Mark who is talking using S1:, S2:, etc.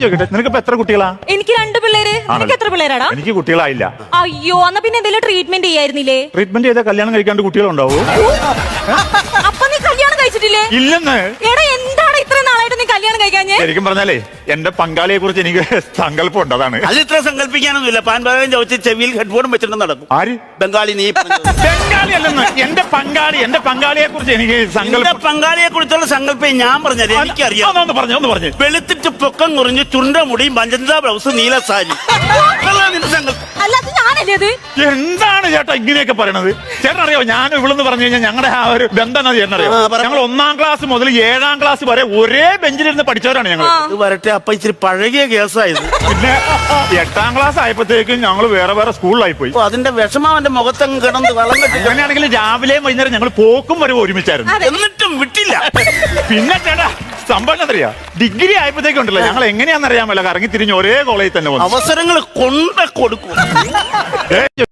S1: നിനക്കിപ്പോ എത്ര കുട്ടികളാ?
S2: എനിക്ക് 2 പിള്ളേര്. നിനക്ക് എത്ര പിള്ളേരാടാ?
S1: എനിക്ക് കുട്ടികളായില്ല.
S2: അയ്യോ, എന്നാ പിന്നെ എന്തെങ്കിലും ട്രീറ്റ്മെന്റ് ചെയ്യായിരുന്നില്ലേ?
S1: ട്രീറ്റ്മെന്റ് ചെയ്താൽ കല്യാണം കഴിക്കാണ്ട് കുട്ടികളുണ്ടാവോ?
S2: അപ്പൊ നീ കല്യാണം കഴിച്ചിട്ടില്ലേ?
S1: ഇല്ലെന്ന്.
S2: എടാ, എന്താണ് ഇത്ര നാളായിട്ട് നീ കല്യാണം കഴിക്കാഞ്ഞേ?
S1: ശരിക്കും പറഞ്ഞാലേ എന്റെ പങ്കാളിയെ കുറിച്ച് എനിക്ക് സങ്കല്പം ഉണ്ട്. അതാണ്.
S3: അത് ഇത്ര സങ്കല്പിക്കാനൊന്നുമില്ല. പാൻപാകം ചവിച്ച് ചെവിയിൽ ഹെഡ്ഫോണും വെച്ചിട്ട് നടക്കും.
S1: ആര്?
S3: ബംഗാളി. നീ
S1: ബംഗാളി അല്ലെന്ന്. എന്റെ പങ്കാളിയെ കുറിച്ച് എനിക്ക് സങ്കല്പം.
S3: പങ്കാളിയെ കുറിച്ചുള്ള സങ്കല്പം ഞാൻ പറഞ്ഞത് എനിക്കറിയാം.
S1: ഒന്ന് പറഞ്ഞു.
S3: വെളുത്തിട്ട് പൊക്കം കുറഞ്ഞ് ചുണ്ട മുടിയും പഞ്ചന്ത ബ്ലൗസ് നീല സാരി.
S2: അല്ലാതെ ഞാനല്ലേ അത്?
S1: എന്താണ് ചേട്ടാ ഇങ്ങനെയൊക്കെ പറയണത്? ചേട്ടൻ അറിയോ, ഞാൻ ഇവിടെന്ന് പറഞ്ഞു കഴിഞ്ഞാൽ ഞങ്ങളുടെ ആ ഒരു ബന്ധം ചേട്ടൻ അറിയോ? ഞങ്ങൾ 1ാം ക്ലാസ് മുതൽ 7ാം ക്ലാസ് വരെ ഒരേ ബെഞ്ചിലിരുന്ന് പഠിച്ചവരാണ് ഞങ്ങൾ.
S3: ഇത് വരട്ടെ, അപ്പൊ ഇച്ചിരി പഴകിയ കേസായത്.
S1: പിന്നെ 8ാം ക്ലാസ് ആയപ്പോഴത്തേക്കും ഞങ്ങൾ വേറെ സ്കൂളിലായി പോയി.
S3: അതിന്റെ വിഷമം അവന്റെ മുഖത്തങ്ങ് കിടന്ന് വളം കെട്ടി.
S1: അങ്ങനെയാണെങ്കിൽ രാവിലെയും വൈകുന്നേരം ഞങ്ങൾ പോക്കും വരെ ഒരുമിച്ചായിരുന്നു.
S3: എന്നിട്ടും വിട്ടില്ല.
S1: പിന്നെ ചേട്ടാ സംഭവം അറിയാ, ഡിഗ്രി ആയപ്പോഴത്തേക്കും ഉണ്ടല്ലോ ഞങ്ങൾ എങ്ങനെയാണെന്നറിയാമല്ലോ കറങ്ങി തിരിഞ്ഞ് ഒരേ കോളേജിൽ തന്നെ വന്നു.
S3: അവസരങ്ങൾ കൊണ്ട കൊടുക്കും.